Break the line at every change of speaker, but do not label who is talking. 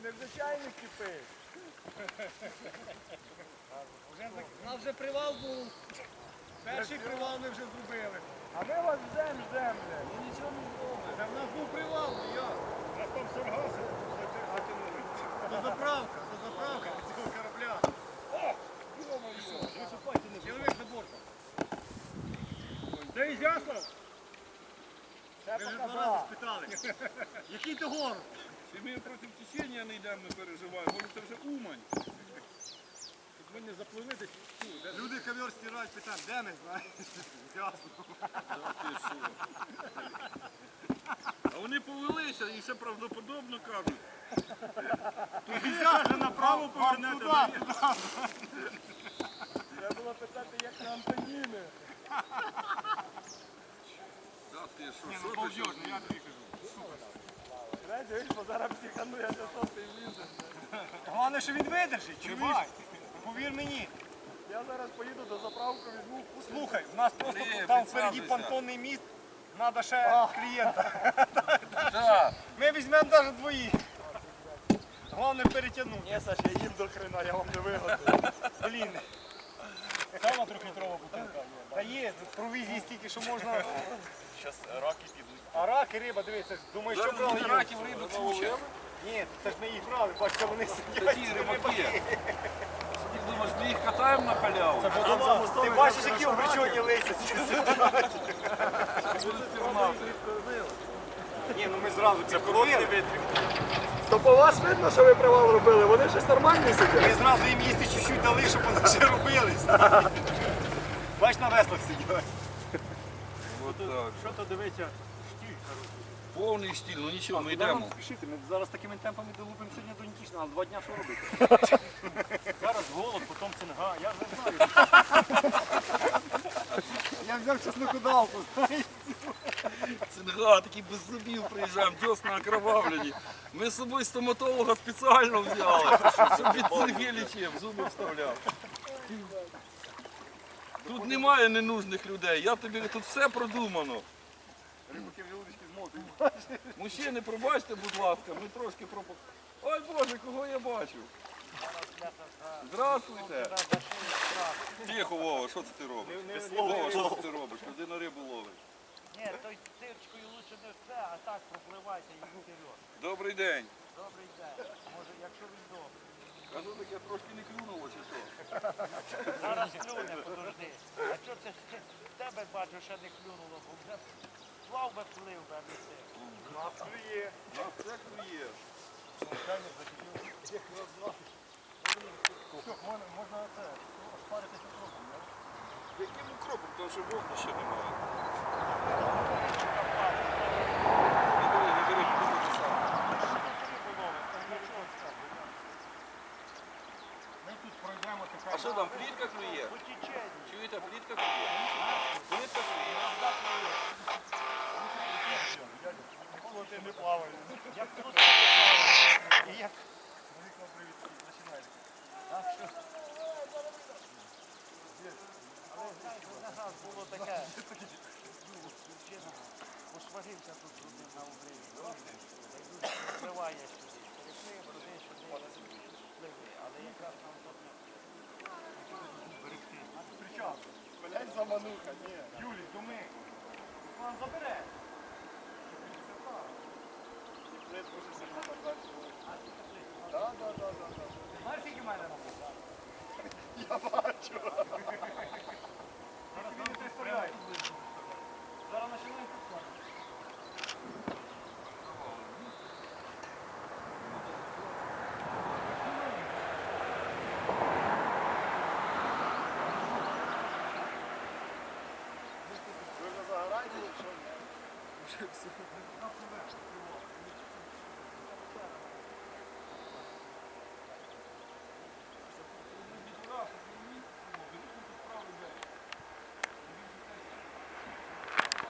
незвичайний кипиш.
У нас вже привал був. Перший привал ми вже зробили.
А ми вас ждем, блядь.
Ну нічого не зробили. Це в нас був привал, ну як?
У нас там саргаси затягнули.
До заправки цього корабля. Чоловік за бортом.
Де Ізяслав?
Ще
Ми вже
показав.
2 рази спитали. Який то город?
Чи ми проти течення не йдемо, не переживаємо? Може це вже Умань? Тут ми не запливли десь.
Люди ковер стирають, питають, де ми, знаєш? Ясно.
А вони повелися і все правдоподобно кажуть.
Вже направо повернете.
Треба було питати, як на Антоніни.
Та ти що,
Ні,
що
ну
ти
повзеш,
що?
ну я тобі кажу.
Дивись, бо зараз психану, я за то ти влізе.
Головне, що він видержить, чувак. Повір мені.
Я зараз поїду до заправки, візьму вкус.
Слухай, у нас просто
Ні,
там впереді
підсаджуйся.
понтонний міст, треба ще клієнта.
Так.
Ми візьмемо навіть двоїх. Головне перетягнути.
Ні, Саш, я їм до хрена, я вам не вигодую.
Блін. Сама 3-літрова бутилка. Та є, провізії стільки, що можна.
Зараз раки підуть.
А раки, риба, дивіться, думаю, що брали їх?
раків риба куча.
Ні, це ж ми їх брали, бачите, вони
Та
сидять.
ті рибаки. Ти думаєш, ми їх катаємо на халяву?
Ти бачиш, які обречені лисять. Ні, ну ми зразу підкололи.
То по вас видно, що ви привал робили? Вони щось нормальне сидять.
Ми зразу їм їсти чуть-чуть дали, щоб вони ще робились. Бач, на веслах сидять.
От так.
Що то дивиться?
Повний стіль, ну нічого, ми йдемо.
Спішити, ми зараз такими темпами долупимо сьогодні до Нікішна, а 2 дня що робити? Зараз голод, потім цинга, я вже знаю. Я взяв чеснокодавку, знаєш.
Цинга, такі без зубів приїжджаємо, дьосна окровавлені. Ми з собою стоматолога спеціально взяли, щоб від цинги лічив, зуби вставляв. Тут немає ненужних людей, я тобі тут все продумано.
Рибаки вже удочки змотують.
Мужчини, пробачте, будь ласка, ми трошки пропу... Ой Боже, кого я бачу? Здравствуйте. Тихо, Вова, що це ти робиш? Вова, що це ти робиш? Людина рибу ловить.
Ні, той тирчкою лучше не все, а так пропливайте і вперед.
Добрий день.
Добрий день. Може, якщо він добрий.
Кажу, так я трошки не клюнуло, чи що?
Зараз клюне, подожди. А що це в тебе бачу, ще не клюнуло, бо вже плав би плив би, а не ти.
Нас клює.
Нас все клює.
Можна це, шпаритися трохи, не?
Яким укропом? Тому що вогнища немає. Не бери, купити сам.
Ми тут пройдемо така.
А що там, плітка клює?
По теченню.
Чуєте, плітка клює? Плітка клює?
Ніколи ти не плаваєш.
Як тут і як але знаєте, на нас було таке. Мужчина посварився тут з одним на обриві. Впливає сюди. Переплив, туди, сюди, пливи. Але якраз нам тут берегти.
Причому? Блять, замануха, ні.
Юлій, думи. Вам забере.
Блять, дуже сильно так далі. Да.
Знаєш, скільки в мене робить?
Я бачу.
Зараз не представляю. Зараз починаємо пускати.
Ви вже загораєте, якщо ні? Вже все.